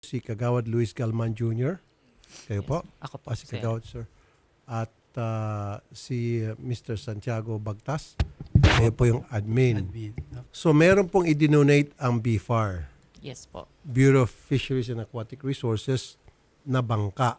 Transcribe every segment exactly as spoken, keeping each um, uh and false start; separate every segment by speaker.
Speaker 1: si Kagawad Luis Galman Junior Kayo po?
Speaker 2: Ako po,
Speaker 1: Ah, si
Speaker 2: sir.
Speaker 1: Kagawad, sir. At ah, si uh, Mister Santiago Bagtas. Kayo po yung admin.
Speaker 3: Admin.
Speaker 1: So meron pong i-donate ang B F A R,
Speaker 2: Yes po.
Speaker 1: Bureau of Fisheries and Aquatic Resources, na bangka.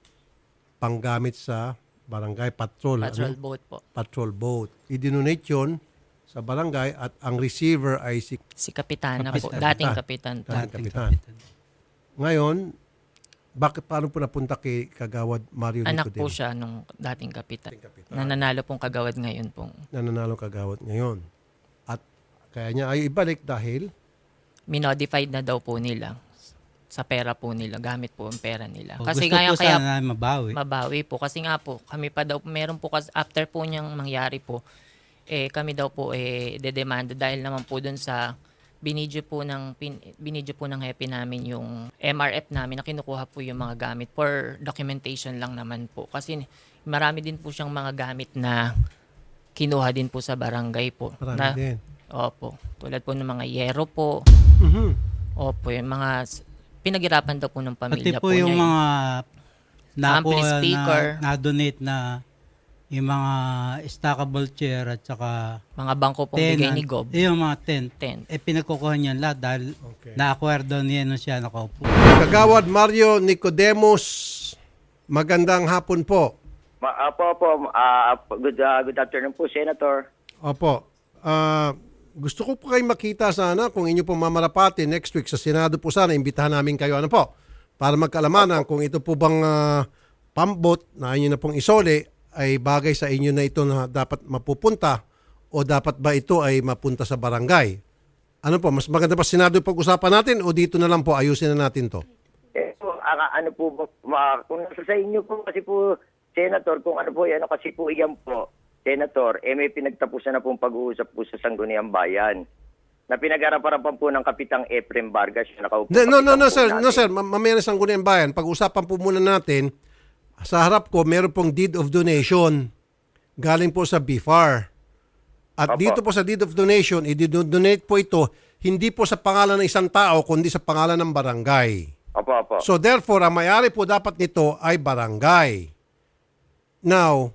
Speaker 1: Panggamit sa barangay patrol.
Speaker 2: Patrol
Speaker 1: ano?
Speaker 2: boat po.
Speaker 1: Patrol boat. I-donate yun sa barangay at ang receiver ay si
Speaker 2: Si Kapitana po.
Speaker 3: Kapitan.
Speaker 2: Dating Kapitan po.
Speaker 1: Dating Kapitan. Ngayon, bakit paano po napunta kay Kagawad Mario
Speaker 2: Anak
Speaker 1: Nicodemo?
Speaker 2: po siya nung dating Kapitan.
Speaker 1: Dating Kapitan.
Speaker 2: Nananalo pong kagawad ngayon pong.
Speaker 1: Nananalo Kagawad ngayon. At kaya niya ay ibalik dahil
Speaker 2: Minodified na daw po nila sa pera po nila. Gamit po ang pera nila.
Speaker 3: O,
Speaker 2: Kasi
Speaker 3: gusto
Speaker 2: kaya,
Speaker 3: po
Speaker 2: kaya
Speaker 3: sana mabawi.
Speaker 2: mabawi po. Kasi nga po, kami pa daw, meron po, kas- after po niyang mangyari po, eh, kami daw po eh, dedemanda dahil naman po dun sa binidyo po ng, pin, binidyo po ng happy namin yung M R F namin na kinukuha po yung mga gamit for documentation lang naman po. Kasi marami din po siyang mga gamit na kinuha din po sa barangay po.
Speaker 1: marami
Speaker 2: na,
Speaker 1: din.
Speaker 2: Opo. Tulad po ng mga yero po.
Speaker 1: Mhm.
Speaker 2: Opo, yung mga s- pinaghirapan daw po ng
Speaker 3: Pati
Speaker 2: pamilya
Speaker 3: po
Speaker 2: po,
Speaker 3: yung
Speaker 2: niya.
Speaker 3: mga na po
Speaker 2: Ampli
Speaker 3: na,
Speaker 2: speaker.
Speaker 3: na-donate na yung mga stackable chair at saka
Speaker 2: mga bangko pong bigay
Speaker 3: tenant.
Speaker 2: ni Gob.
Speaker 3: Eh, yung mga tent.
Speaker 2: Tent.
Speaker 3: Eh, pinagkukuha niya lahat dahil
Speaker 1: Okay.
Speaker 3: na-acquire niya nung siya nakaupo.
Speaker 1: Kagawad Mario Nicodemos, magandang hapon po.
Speaker 4: Ma, apo, apo, ah, good, ah, good afternoon po, Senator.
Speaker 1: Opo. Ah, gusto ko po kayo makita sana kung inyo po mamarapati next week sa Senado po sana. Imbitahan namin kayo ano po para magkalamanan kung ito po bang ah, pambot na inyo na pong isole ay bagay sa inyo na ito na dapat mapupunta o dapat ba ito ay mapunta sa barangay. Ano po, mas maganda pa Senado yung pag-usapan natin o dito na lang po ayusin na natin to?
Speaker 4: Eh, po, ah, ano po, ba- ma, kung nasa sa inyo po kasi po, Senator, kung ano po, ano kasi po iyan po, Senator, eh may pinagtapusan na pong pag-uusap po sa Sangguniang Bayan na pinag-arapan po ng Kapitang Efrem Vargas. Siya nakaupo.
Speaker 1: No, no, no, no,
Speaker 4: kapitan po
Speaker 1: sir. No,
Speaker 4: natin.
Speaker 1: sir. Ma- Mamaya na sa Sangguniang Bayan. Pag-usapan po muna natin, sa harap ko, meron pong deed of donation galing po sa B F A R. At
Speaker 4: Opo.
Speaker 1: dito po sa deed of donation, i-donate po ito hindi po sa pangalan ng isang tao, kundi sa pangalan ng barangay.
Speaker 4: Opo, opo.
Speaker 1: So therefore, ang may-ari po dapat nito ay barangay. Now,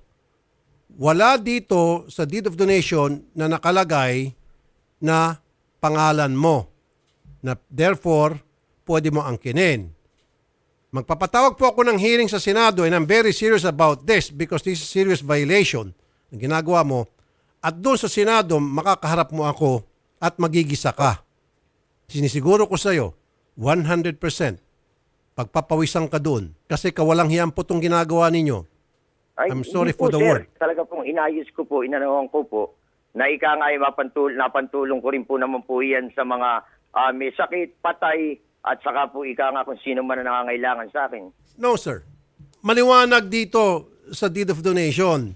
Speaker 1: wala dito sa deed of donation na nakalagay na pangalan mo. Na therefore, pwede mo angkinin. Magpapatawag po ako ng hearing sa Senado and I'm very serious about this because this is serious violation na ginagawa mo. At doon sa Senado, makakaharap mo ako at magigisa ka. Sinisiguro ko sa iyo, one hundred percent pagpapawisan ka doon kasi kawalang hiyang po itong ginagawa ninyo.
Speaker 4: Ay,
Speaker 1: I'm
Speaker 4: hindi
Speaker 1: sorry
Speaker 4: po,
Speaker 1: for the
Speaker 4: sir.
Speaker 1: word.
Speaker 4: Talaga pong inayos ko po, inanawan ko po, na ika nga ay mapantul napantulong ko rin po naman po yan sa mga ah, may sakit, patay, at saka po ika nga kung sino man na nangangailangan sa akin.
Speaker 1: No, sir. Maliwanag dito sa deed of donation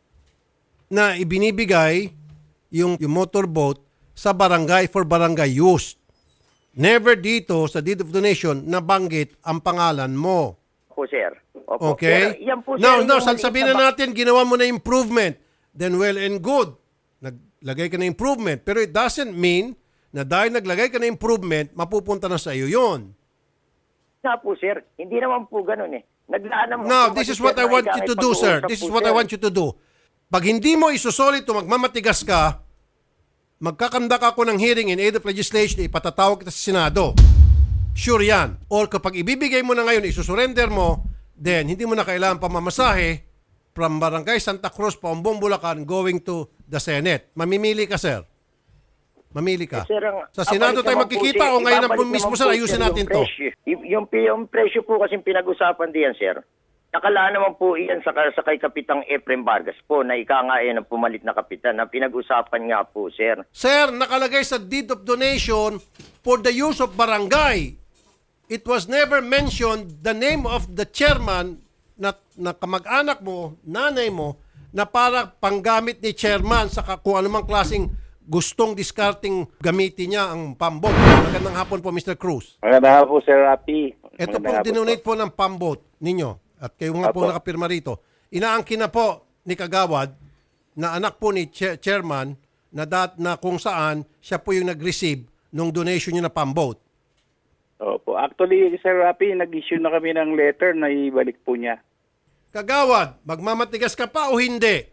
Speaker 1: na ibinibigay yung, yung motorboat sa barangay for barangay use. Never dito sa deed of donation nabanggit ang pangalan mo.
Speaker 4: Po, sir. Opo.
Speaker 1: Okay?
Speaker 4: Sir, yan po, sir,
Speaker 1: Now, now,
Speaker 4: yung
Speaker 1: sasabihin
Speaker 4: maliit
Speaker 1: na
Speaker 4: ba-
Speaker 1: natin, ginawa mo na improvement. Then well and good. Naglagay ka na improvement. Pero it doesn't mean na dahil naglagay ka na improvement, mapupunta na sa iyo yun.
Speaker 4: Nga po, sir. Hindi naman po ganun eh. Naglaan naman
Speaker 1: Now,
Speaker 4: po
Speaker 1: this
Speaker 4: kasi,
Speaker 1: is what
Speaker 4: sir,
Speaker 1: I want
Speaker 4: na
Speaker 1: you
Speaker 4: ika-
Speaker 1: to do, sir.
Speaker 4: pag-uusap
Speaker 1: This is
Speaker 4: po,
Speaker 1: what I
Speaker 4: sir.
Speaker 1: want you to do. Pag hindi mo isusolid o magmamatigas ka, magkakandak ako ng hearing in aid of legislation, ipatatawag kita sa Senado. Sure yan. Or kapag ibibigay mo na ngayon, isusurrender mo, then hindi mo na kailangan pamamasahe from Barangay Santa Cruz, Paumbong, Bulacan, going to the Senate. Mamimili ka, sir. Mamili ka.
Speaker 4: Eh, sir, ang-
Speaker 1: Sa Senado
Speaker 4: abalik
Speaker 1: tayo
Speaker 4: naman po,
Speaker 1: magkikita
Speaker 4: sir,
Speaker 1: o ngayon ang
Speaker 4: ibabalik
Speaker 1: mismo,
Speaker 4: naman
Speaker 1: sir,
Speaker 4: po,
Speaker 1: ayusin
Speaker 4: sir,
Speaker 1: natin
Speaker 4: yung
Speaker 1: to.
Speaker 4: presyo. Y- yung, yung presyo po kasi pinag-usapan diyan, sir. Nakalaan naman po iyan sa, sa kay Kapitang Efrem Vargas po na ika nga yan ang pumalit na kapitan na pinag-usapan nga po, sir.
Speaker 1: Sir, nakalagay sa deed of donation for the use of barangay. It was never mentioned the name of the chairman na, na kamag-anak mo, nanay mo, na para panggamit ni chairman sa ka- kung anumang klaseng gustong discarding gamitin niya ang pambot. Magandang hapon po, Mister Cruz.
Speaker 5: Magandang hapon po, Sir Rapi.
Speaker 1: Ito
Speaker 5: Magandang
Speaker 1: pong
Speaker 5: hapon
Speaker 1: dinonate po ng pambot ninyo at kayo nga po
Speaker 5: Apo.
Speaker 1: nakapirma rito. Inaangkin na po ni Kagawad na anak po ni Che- chairman na, dat, na kung saan siya po yung nag-receive nung donation niya na pambot.
Speaker 5: Opo. Actually, Sir Rapi, nag-issue na kami ng letter na ibalik po niya.
Speaker 1: Kagawad, magmamatigas ka pa o hindi?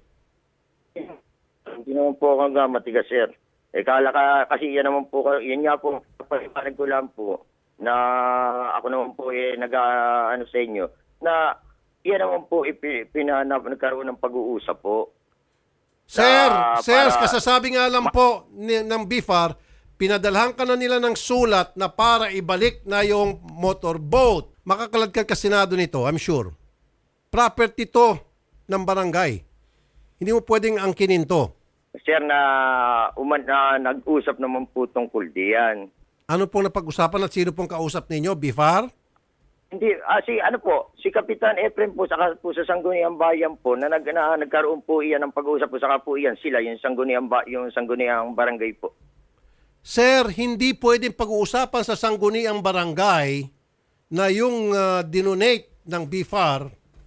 Speaker 4: Hindi naman po ako nga matigas, sir. Eh, kala ka, kasi yan naman po, yun nga po, paliwanag ko lang po, na ako naman po eh, nag, ah, ano sa inyo, na yan naman po, ipi- pinanap, nagkaroon ng pag-uusap po.
Speaker 1: Sir,
Speaker 4: Ah,
Speaker 1: sir,
Speaker 4: para-
Speaker 1: kasasabi nga lang po ni, ng B I F A R, pinadalhan ka na nila ng sulat na para ibalik na yung motorboat. Makakalad ka Senado nito, I'm sure. Property to ng barangay. Hindi mo pwedeng angkinin to.
Speaker 4: Sir, na, uman, na nag-usap naman po tungkol diyan.
Speaker 1: Ano pong napag-usapan at sino pong kausap ninyo, B I F A R?
Speaker 4: Hindi, ah, si ano po, si Kapitan Efrem po, saka po sa Sangguniang Bayan po, na, nag, na nagkaroon po iyan ng pag-uusap po, saka po iyan sila, yung Sangguniang, ba, yung Sangguniang Barangay po.
Speaker 1: Sir, hindi pwedeng pag-uusapan sa sangguniang barangay na yung uh, dinonate ng B I F A R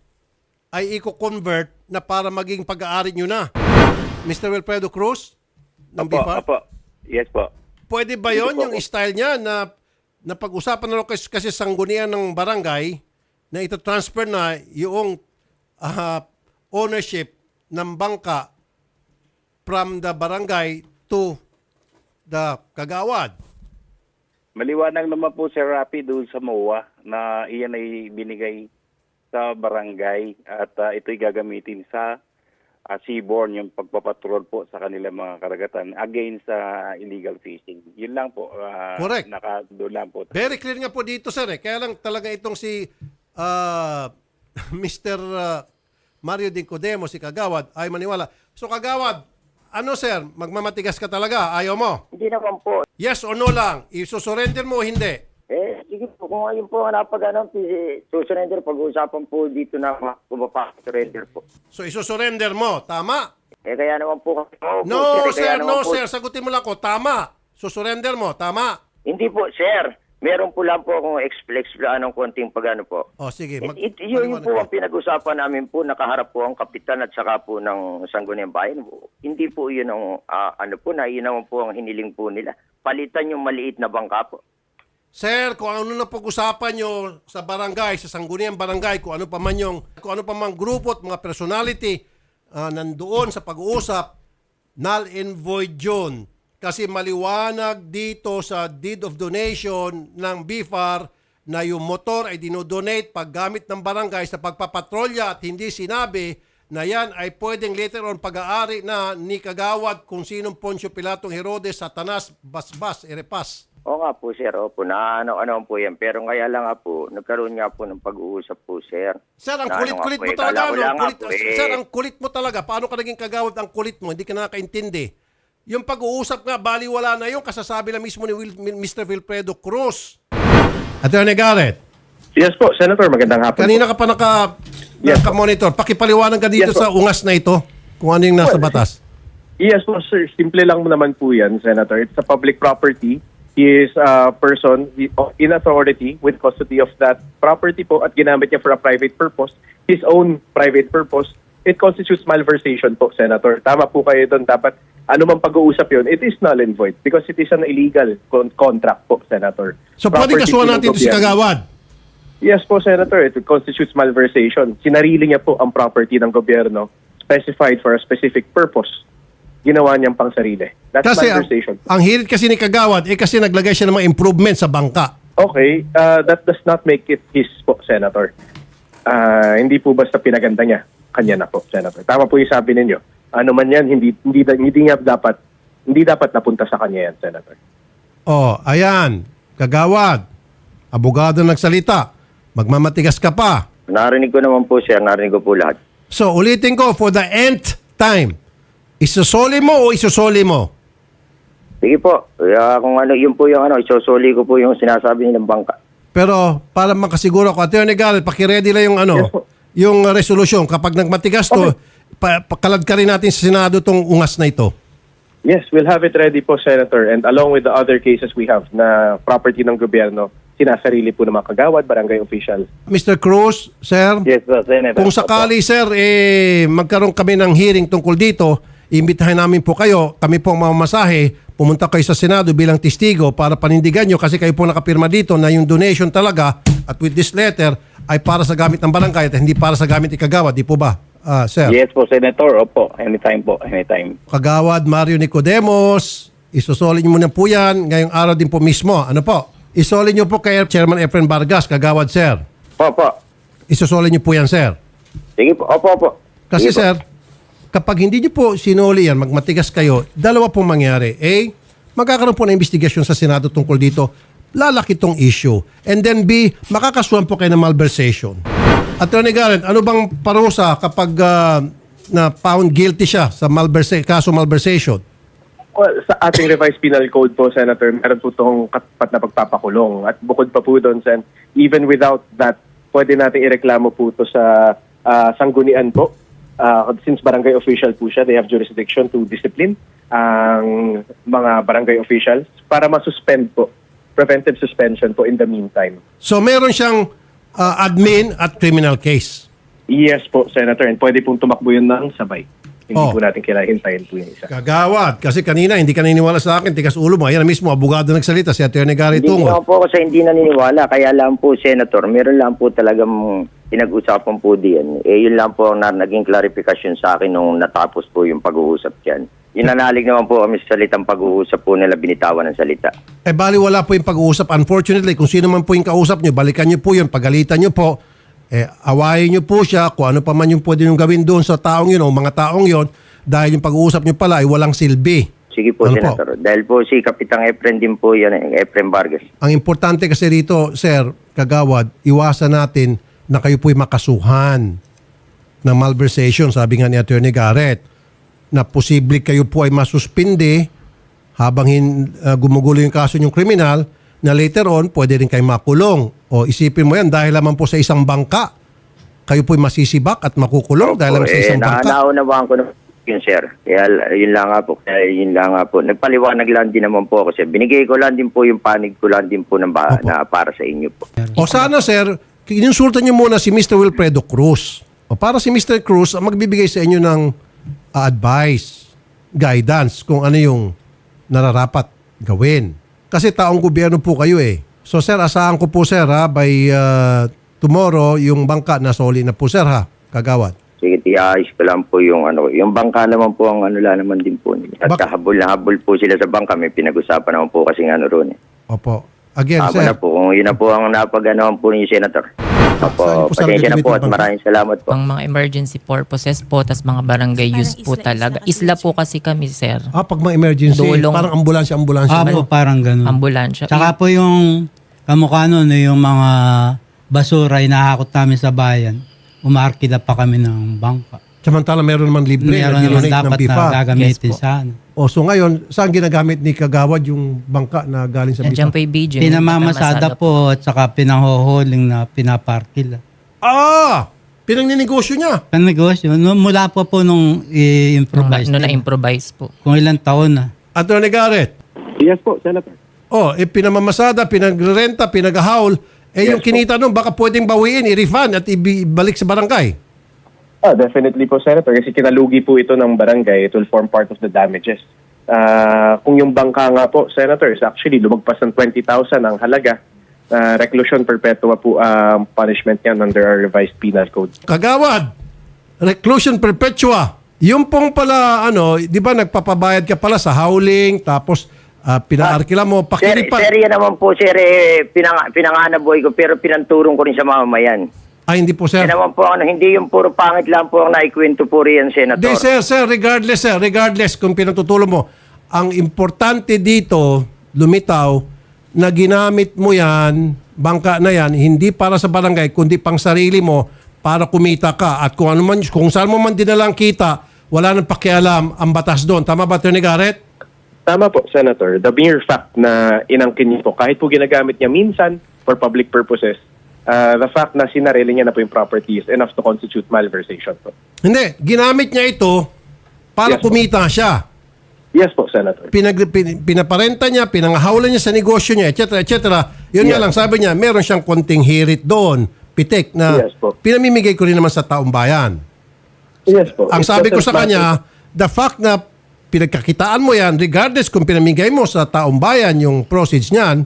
Speaker 1: ay i-convert na para maging pag-aari nyo na. Mister Wilfredo Cruz ng B I F A R?
Speaker 5: Opo. Yes po.
Speaker 1: Pwede ba yon yung style niya na, na pag-usapan na rin kasi, kasi sanggunian ng barangay na ito-transfer na yung uh, ownership ng bangka from the barangay to the kagawad?
Speaker 5: Maliwanag naman po, Sir Rapi, doon sa M O A na iyan ay binigay sa barangay at uh, ito'y gagamitin sa uh, seaborne, yung pagpapatrol po sa kanilang mga karagatan against sa uh, illegal fishing. Yun lang po. Uh,
Speaker 1: Correct.
Speaker 5: Naka, doon lang po.
Speaker 1: Very clear nga po dito, sir. Eh. Kaya lang talaga itong si uh, Mister Uh, Mario Dincodemo, si Kagawad, ay maniwala. So Kagawad, ano sir, magmamatigas ka talaga? Ayaw mo?
Speaker 4: Hindi naman po.
Speaker 1: Yes or no lang? Isusurrender mo o hindi?
Speaker 4: Eh, sige po, kung ayun po ang napag ano, susurrender, pag-uusapan po dito na kumapag-surrender po.
Speaker 1: So isusurrender mo, tama?
Speaker 4: Eh, kaya naman po, oh,
Speaker 1: No
Speaker 4: po, kaya
Speaker 1: sir,
Speaker 4: naman
Speaker 1: no
Speaker 4: po-
Speaker 1: sir. Sagutin mo lang ko, tama. Susurrender mo, tama.
Speaker 4: Hindi po, sir. Meron po lang po akong explain ng konting pag-ano po.
Speaker 1: O sige. Mag-
Speaker 4: It, it, yun, yun po ang pinag-usapan namin po, nakaharap po ang kapitan at saka po ng Sangguniang Bayan. Hindi po yun ang, ah, ano po, na yun naman po ang hiniling po nila. Palitan yung maliit na bangka po.
Speaker 1: Sir, kung ano na pag-usapan nyo sa barangay, sa sangguniang barangay, kung ano pa man yung, kung ano pa man grupo at mga personality ah, nandoon sa pag-uusap, null and void yun. Kasi maliwanag dito sa deed of donation ng B I F A R na yung motor ay dinodonate paggamit ng barangay sa pagpapatrolya at hindi sinabi na yan ay pwedeng later on pag-aari na ni Kagawad kung sinong Poncio Pilatong Herodes, Satanas, Basbas, Erepas.
Speaker 4: Oo nga po, sir. Opo, na ano-ano po yan. Pero kaya lang nga po, nagkaroon nga po ng pag-uusap po, sir.
Speaker 1: Sir, ang
Speaker 4: Na ano
Speaker 1: kulit-kulit
Speaker 4: nga po,
Speaker 1: mo
Speaker 4: eh,
Speaker 1: talaga.
Speaker 4: kala ko
Speaker 1: Ano?
Speaker 4: lang nga
Speaker 1: Kulit,
Speaker 4: po, eh.
Speaker 1: Sir, ang kulit mo talaga. Paano ka naging Kagawad ang kulit mo? Hindi ka nakakaintindi. Yung pag-uusap nga, baliwala na yung kasasabi lang mismo ni Will, Mister Wilfredo Cruz. Attorney Garrett,
Speaker 6: Yes po, Senator. Magandang hapon
Speaker 1: kanina ka
Speaker 6: po.
Speaker 1: pa naka,
Speaker 6: Yes,
Speaker 1: naka-monitor. Pakipaliwanag ka dito
Speaker 6: Yes, po.
Speaker 1: sa ungas na ito kung ano yung nasa
Speaker 6: Well,
Speaker 1: batas.
Speaker 6: Yes po, sir. Simple lang naman po yan, Senator. It's a public property. He is a person in authority with custody of that property po at ginamit niya for a private purpose, his own private purpose. It constitutes malversation po, Senator. Tama po kayo doon. Dapat ano man pag-uusap yun, it is null and void because it is an illegal con- contract po, Senator.
Speaker 1: So, pwede
Speaker 6: Property
Speaker 1: kasuhan
Speaker 6: po ng
Speaker 1: natin ito si
Speaker 6: gobyerno.
Speaker 1: Kagawad.
Speaker 6: Yes po, Senator. It constitutes malversation. Sinarili niya po ang property ng gobyerno specified for a specific purpose. Ginawa niyang pang sarili. That's
Speaker 1: Kasi ang,
Speaker 6: malversation.
Speaker 1: ang hirit kasi ni Kagawad, eh kasi naglagay siya ng mga improvement sa bangka.
Speaker 6: Okay, uh, that does not make it his po, Senator. Uh, hindi po basta pinaganda niya. Kanya na po, Senator. Tama po yung sabi ninyo. Ano man yan, hindi, hindi, hindi niya dapat, hindi dapat napunta sa kanya yan, Senator.
Speaker 1: Oh, ayan. Kagawad. Abogado nagsalita. Magmamatigas ka pa.
Speaker 4: Narinig ko naman po, sir. Narinig ko po lahat.
Speaker 1: So, ulitin ko for the nth time. Isusoli mo o isusoli mo?
Speaker 4: Sige po. Kaya kung ano, yun po yung ano, isosoli ko po yung sinasabi nilang bangka.
Speaker 1: Pero para makasiguro ko, Attorney Garrett, pakiready lang yung ano,
Speaker 6: Yes po.
Speaker 1: yung resolusyon. Kapag nagmatigas to, pa, pakalad ka rin natin sa Senado tong ungas na ito.
Speaker 6: Yes, we'll have it ready po, Senator. And along with the other cases we have na property ng gobyerno, sinasarili po ng mga kagawad, barangay official.
Speaker 1: Mister Cruz, sir,
Speaker 5: Yes po, Senator.
Speaker 1: kung sakali, sir, eh, magkaroon kami ng hearing tungkol dito, imbitahin namin po kayo, kami po ang mamamasahe pumunta kayo sa Senado bilang testigo para panindigan nyo kasi kayo po nakapirma dito na yung donation talaga at with this letter ay para sa gamit ng barangay at hindi para sa gamit ni Kagawad. Di po ba, ah, sir?
Speaker 5: Yes po, Senator. Opo, anytime po, anytime.
Speaker 1: Kagawad Mario Nicodemos, isosolin mo na po yan ngayong araw din po mismo. Ano po? Isolin nyo po kay Chairman Efren Vargas, Kagawad, sir.
Speaker 4: Opo.
Speaker 1: Isosolin nyo po yan, sir.
Speaker 4: Sige po. Opo, opo.
Speaker 1: Kasi
Speaker 4: Sige po.
Speaker 1: sir, kapag hindi nyo po sinuli yan, magmatigas kayo, dalawa pong mangyari. A, magkakaroon po ng investigasyon sa Senado tungkol dito, lalaki tong issue. And then B, makakasuhan po kayo ng malversation. Attorney Garrett, ano bang parusa kapag ah, na found guilty siya sa malversa- kaso malversation?
Speaker 6: Well, sa ating revised penal code po, Senator, meron po itong katapat na pagpapakulong. At bukod pa po doon, Sen, even without that, pwede natin ireklamo po ito sa ah, sanggunian po. Uh, since barangay official po siya, they have jurisdiction to discipline ang mga barangay officials para masuspend po, preventive suspension po in the meantime.
Speaker 1: So meron siyang ah, admin at criminal case.
Speaker 6: Yes po, Senator, and pwede pong tumakbo yun ng sabay. Hindi
Speaker 1: Oh.
Speaker 6: po natin kailangan hintayin po yung isa.
Speaker 1: Kagawad, kasi kanina hindi ka naniniwala sa akin, tikas ulo mo. Ayan na mismo, abogado nagsalita, si Attorney Gary
Speaker 4: Hindi
Speaker 1: Tungol.
Speaker 4: naman po ako sa hindi naniniwala. Kaya lang po, Senator, meron lang po talagang pinag-usapan po diyan. Eh, yun lang po ang na- naging clarification sa akin nung natapos po yung pag-uusap dyan. Inanalig naman po kami sa salitang pag-uusap po nila, binitawan ng salita.
Speaker 1: Eh bali wala po yung pag-uusap. Unfortunately, kung sino man po yung kausap nyo, balikan nyo po yun, pagalitan nyo po, eh, awayin nyo po siya kung ano pa man yung pwede nyo gawin doon sa taong yun o mga taong yun dahil yung pag-uusap nyo pala ay walang silbi.
Speaker 4: Sige po,
Speaker 1: Ano po?
Speaker 4: Senator. Dahil po si Kapitang Efren din po yan, eh, Efren Vargas.
Speaker 1: Ang importante kasi rito, Sir Kagawad, iwasan natin na kayo po'y makasuhan ng malversation, sabi nga ni Attorney Garrett, na posible kayo po ay masuspindi habang hin, uh, gumugulo yung kaso yung kriminal, na later on, pwede rin kayo makulong. O isipin mo yan, dahil lamang po sa isang bangka, kayo po'y masisibak at makukulong dahil lamang sa isang
Speaker 4: na,
Speaker 1: bangka.
Speaker 4: Naunawaan ko na yun, sir. Kaya yun lang nga po. Kaya yun lang nga po. Nagpaliwanag lang din naman po ako, sir. Binigay ko lang din po yung panig ko lang din po ng ba-
Speaker 1: Opo.
Speaker 4: na para sa inyo po.
Speaker 1: O sana, sir, insultan nyo muna si Mister Wilfredo Cruz. O para si Mister Cruz ang magbibigay sa inyo ng uh, advice, guidance, kung ano yung nararapat gawin. Kasi taong gobyerno po kayo eh. So sir, asahan ko po sir ha, by uh, tomorrow, yung bangka nasoli na po sir ha, Kagawad.
Speaker 4: Sige, tiayos ko lang po yung ano. Yung bangka naman po ang ano lang naman din po. At
Speaker 1: Bak-
Speaker 4: habol na habol po sila sa bangka. May pinag-usapan naman po kasi ano ron eh.
Speaker 1: Opo. Again,
Speaker 4: Tama
Speaker 1: sir.
Speaker 4: na po. Kung yun na po ang napag-anoan po ni Senator.
Speaker 1: Saan
Speaker 4: Opo,
Speaker 1: niyo po sa
Speaker 4: pasensya na
Speaker 1: gagamitin
Speaker 4: po at
Speaker 1: ang bangka?
Speaker 4: maraming salamat po.
Speaker 2: Pang mga emergency purposes po, tas mga barangay
Speaker 7: Parang
Speaker 2: use po
Speaker 7: isla-isla
Speaker 2: talaga.
Speaker 7: kasi
Speaker 2: Isla
Speaker 7: yun,
Speaker 2: po kasi kami, sir.
Speaker 1: Ah, pag mga emergency,
Speaker 2: Dulong.
Speaker 1: parang ambulansya, ambulansya.
Speaker 3: Ah, po, parang ganun.
Speaker 2: Ambulansya.
Speaker 3: Tsaka po yung kamukha nun, eh, yung mga basura inahakot namin sa bayan, umarkila pa kami ng bangka.
Speaker 1: Samantala meron naman libre
Speaker 3: Meron
Speaker 1: na
Speaker 3: naman
Speaker 1: dinonate ng
Speaker 3: dapat
Speaker 1: B I F A.
Speaker 3: na gagamitin
Speaker 2: Yes po.
Speaker 3: sana.
Speaker 1: O so ngayon, saan ginagamit ni Kagawad yung bangka na galing sa B I F
Speaker 2: Nandiyan
Speaker 1: A?
Speaker 2: po yung video.
Speaker 3: Pinamamasada po at saka pinanghuhuling na pinaparkila.
Speaker 1: Ah! Pinangninegosyo niya.
Speaker 3: Ang negosyo, no, mula po po nung i-improvise.
Speaker 2: No,
Speaker 3: nila.
Speaker 2: na-improvise po.
Speaker 3: Kung ilang taon na.
Speaker 1: Attorney Garrett.
Speaker 6: Yes po, Senator.
Speaker 1: Oh, eh, pinamamasada, pinagrenta, pinaghahaul. Eh, yung kinita nun, baka pwedeng bawiin, i-refund at ibalik sa barangay.
Speaker 6: Ah, definitely po, Senator. Kasi kinalugi po ito ng barangay. It will form part of the damages. Ah, kung yung bangka nga po, Senator, is actually lumagpas ng twenty thousand ang halaga. Uh, reclusion perpetua po ang punishment yan under our revised penal code.
Speaker 1: Kagawad, reclusion perpetua. Yung pong pala, ano, di ba nagpapabayad ka pala sa howling, tapos uh, pinaarkila mo,
Speaker 4: Sir,
Speaker 1: pakilipan.
Speaker 4: sir, yan naman po, sir, eh, pinang, pinanganaboy ko, pero pinanturong ko rin sa mamamayan.
Speaker 1: Ay, hindi po, sir.
Speaker 4: Yan naman po, ano, hindi yung puro pangit lang po ang naikwento po riyan, Senator.
Speaker 1: Hindi, sir, sir, regardless, sir, regardless kung pinatutulong mo, ang importante dito, lumitaw, na ginamit mo yan, bangka na yan, hindi para sa barangay, kundi pang sarili mo, para kumita ka. At kung ano man, kung saan mo man dinalang kita, wala nang pakialam ang batas doon. Tama ba, Attorney Garrett?
Speaker 6: Tama po, Senator. The mere fact na inangkin niyo po, kahit po ginagamit niya minsan for public purposes, uh, the fact na sinarili niya na po yung property is enough to constitute malversation po.
Speaker 1: Hindi, ginamit niya ito para
Speaker 6: Yes, po.
Speaker 1: kumita siya.
Speaker 6: Yes po, Senator.
Speaker 1: Pinag, pin, pinaparenta niya, pinangahawalan niya sa negosyo niya, et cetera, et cetera. Yun nga
Speaker 6: Yes.
Speaker 1: lang, sabi niya, meron siyang konting hirit doon, pitik, na
Speaker 6: Yes, po.
Speaker 1: pinamimigay ko rin naman sa taong bayan.
Speaker 6: Yes po.
Speaker 1: Ang
Speaker 6: It's
Speaker 1: sabi ko
Speaker 6: just
Speaker 1: sa
Speaker 6: a matter-
Speaker 1: kanya, the fact na pinagkakitaan mo yan, regardless kung pinamigay mo sa taong bayan yung proceeds niyan,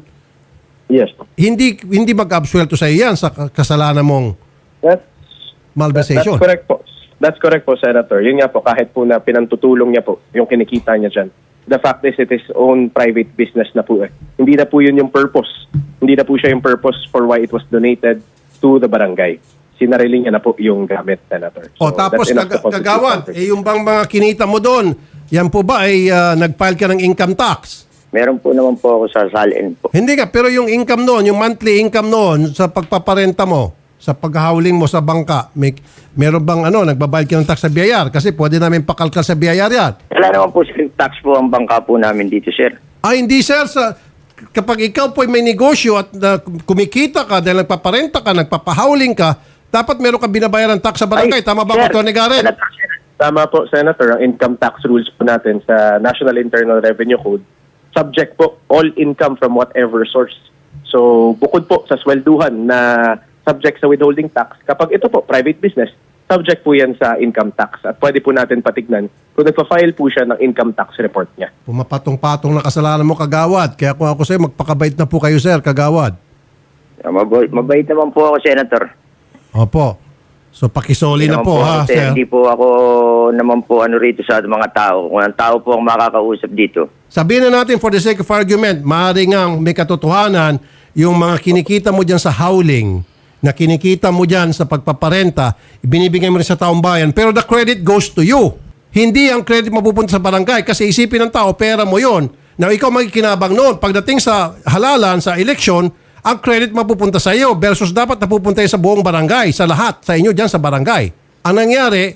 Speaker 6: Yes po.
Speaker 1: hindi hindi mag-absuelto sa iyo yan sa kasalanan mong
Speaker 6: That's,
Speaker 1: malversation.
Speaker 6: that's correct po. That's correct po, Senator. Yun nga po, kahit po na pinantutulong niya po yung kinikita niya dyan. The fact is, it is own private business na po eh. Hindi na po yun yung purpose. Hindi na po siya yung purpose for why it was donated to the barangay. Sinarili niya na po yung gamit, Senator.
Speaker 1: O tapos
Speaker 6: that's enough to
Speaker 1: kag-
Speaker 6: constitute
Speaker 1: kagawad,
Speaker 6: property.
Speaker 1: eh, yung bang mga kinita mo doon, yan po ba ay ah, nag-file ka ng income tax?
Speaker 4: Meron po naman po ako sa salin po.
Speaker 1: Hindi ka, pero yung income noon, yung monthly income noon sa pagpaparenta mo, sa paghahawling mo sa bangka, may, meron bang ano, nagbabayad ka ng tax sa B I R? Kasi pwede namin pakalkal sa B I R yan.
Speaker 4: Wala naman po silang tax po ang bangka po namin dito, sir.
Speaker 1: Ah, hindi sir, sa, kapag ikaw po ay may negosyo at uh, kumikita ka dahil nagpaparenta ka, nagpapahawling ka, dapat meron ka binabayaran tax sa barangay. Tama ba,
Speaker 4: sir,
Speaker 1: Atty. Garrett?
Speaker 4: Senator, sir.
Speaker 6: Tama po, Senator. Ang income tax rules po natin sa National Internal Revenue Code, subject po all income from whatever source. So, bukod po sa swelduhan na subject sa withholding tax, kapag ito po, private business, subject po yan sa income tax. At pwede po natin patignan kung nagpa-file po siya ng income tax report niya.
Speaker 1: Pumapatong-patong na kasalanan mo, kagawad. Kaya kung ako sa'yo, magpakabait na po kayo, sir, kagawad.
Speaker 4: Ah, Mabait, mabait naman po ako, Senator.
Speaker 1: Opo. So, pakisoli
Speaker 4: Hindi
Speaker 1: na
Speaker 4: naman
Speaker 1: po, ha,
Speaker 4: ako,
Speaker 1: sir?
Speaker 4: Hindi po ako naman po ano rito sa mga tao. Kung ang tao po ang makakausap dito.
Speaker 1: Sabihin na natin, for the sake of argument, maaari nga may katotohanan yung mga kinikita mo dyan sa howling, na kinikita mo dyan sa pagpaparenta, ibinibigay mo rin sa taong bayan, pero the credit goes to you. Hindi ang credit mapupunta sa barangay kasi isipin ng tao, pera mo yon. Now, ikaw magkikinabang noon. Pagdating sa halalan, sa eleksyon, ang credit mapupunta sa iyo versus dapat napupunta sa buong barangay, sa lahat, sa inyo dyan sa barangay. Ang nangyari,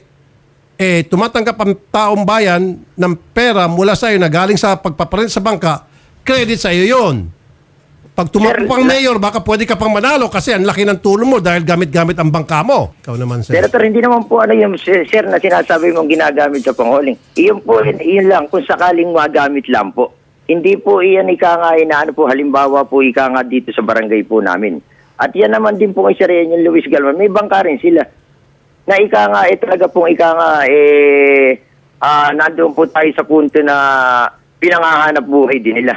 Speaker 1: eh, tumatanggap ang taong bayan ng pera mula sa iyo na galing sa pagpaparenta sa bangka, credit sa iyo yon. Pag tumakbo
Speaker 4: Sir,
Speaker 1: pang
Speaker 4: na-
Speaker 1: mayor, baka pwede ka pang manalo kasi ang laki ng tulong mo dahil gamit-gamit ang bangka mo. Ikaw naman, sir.
Speaker 4: Senator, hindi naman po ano yung sir, sir na sinasabi mong ginagamit sa panghuling. Iyon po, yun, yun lang, kung sakaling magamit lang po. Hindi po iyan ika nga na ano po, halimbawa po ika nga dito sa barangay po namin. At yan naman din po kay Sir yung Luis Galvan, may bangka rin sila. Na ika nga, eh talaga pong ika nga, eh, ah, nandoon po tayo sa punto na pinangahanap buhay din nila.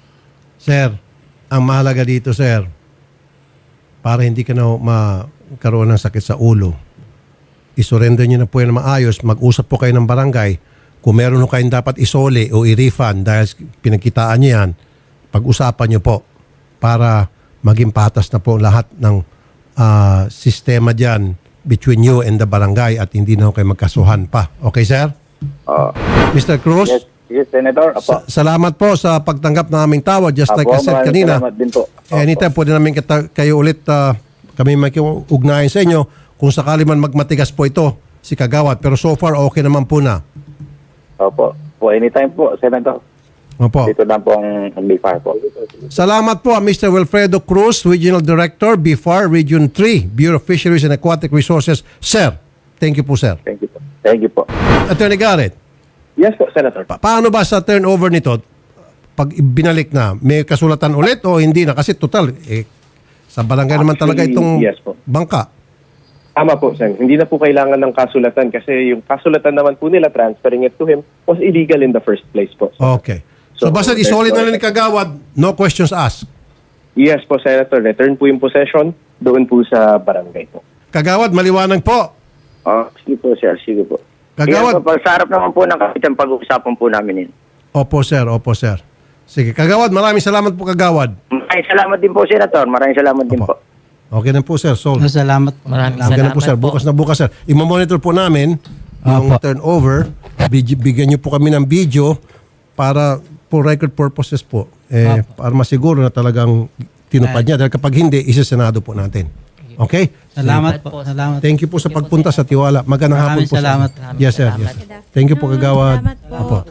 Speaker 1: Sir, ang mahalaga dito, sir, para hindi ka na magkaroon ng sakit sa ulo, isurrender nyo na po yan na maayos, mag-usap po kayo ng barangay. Kung meron ho kayong dapat isole o i-refund dahil pinagkitaan nyo yan, pag-usapan nyo po para maging patas na po lahat ng ah, sistema dyan between you and the barangay at hindi na ho kayo magkasuhan pa. Okay, sir?
Speaker 5: Ah.
Speaker 1: mister Cruz?
Speaker 5: Yes, yes, Senator. Apo.
Speaker 1: Sa- salamat po sa pagtanggap ng aming tawad. Just like I
Speaker 5: Apo,
Speaker 1: said
Speaker 5: maraming
Speaker 1: kanina,
Speaker 5: salamat din po. Apo.
Speaker 1: anytime pwede namin kita, kayo ulit, ah, kami makiugnayan sa inyo kung sakali man magmatigas po ito si Kagawad. Pero so far, okay naman po na.
Speaker 5: Opo. Po, anytime po, Senator.
Speaker 1: Opo.
Speaker 5: Dito lang po ang B F A R po.
Speaker 1: Salamat po, mister Wilfredo Cruz, Regional Director, B F A R Region three, Bureau of Fisheries and Aquatic Resources. Sir, thank you po, sir.
Speaker 5: Thank you po. Thank you po.
Speaker 1: Attorney Garrett,
Speaker 6: Yes po, Senator.
Speaker 1: pa- paano ba sa turnover nito, pag binalik na, may kasulatan ulit o hindi na? Kasi total, eh, sa barangay naman talaga
Speaker 6: Actually,
Speaker 1: itong
Speaker 6: yes po.
Speaker 1: bangka.
Speaker 6: Tama po, Sen. Hindi na po kailangan ng kasulatan kasi yung kasulatan naman po nila transferring it to him was illegal in the first place po.
Speaker 1: Okay. So,
Speaker 6: So,
Speaker 1: basta
Speaker 6: there's
Speaker 1: isolid
Speaker 6: no
Speaker 1: na lang ni Kagawad, no questions asked.
Speaker 6: Yes po, Senator. Return po yung possession doon po sa barangay po.
Speaker 1: Kagawad, maliwanag po.
Speaker 4: Oh, sige po, sir. Sige po.
Speaker 1: Kagawad.
Speaker 4: Yan po, sa harap naman po ng kapitan pag-uusapan po namin yun.
Speaker 1: Opo, sir. Opo, sir. Sige. Kagawad, maraming salamat po, Kagawad.
Speaker 4: Maraming salamat din po, Senator. Maraming salamat din
Speaker 1: Opo.
Speaker 4: po.
Speaker 1: Okay na po, sir. So,
Speaker 3: Salamat po.
Speaker 2: Maraming
Speaker 1: okay na
Speaker 2: salamat
Speaker 1: po, sir. Bukas na bukas, sir. I-monitor po namin yung
Speaker 3: Opo.
Speaker 1: turnover. Big- Bigyan niyo po kami ng video para for record purposes po. Eh, para masiguro na talagang tinupad niya. Dahil kapag hindi, isa-senado po natin. Okay?
Speaker 3: Salamat po. Salamat.
Speaker 1: Thank you po sa pagpunta sa Tiwala. Magandang hapon
Speaker 3: Maraming
Speaker 1: po. sa-
Speaker 3: salamat.
Speaker 1: Yes, sir. Yes. Thank you po, Kagawad.
Speaker 7: Salamat po.
Speaker 1: Opo.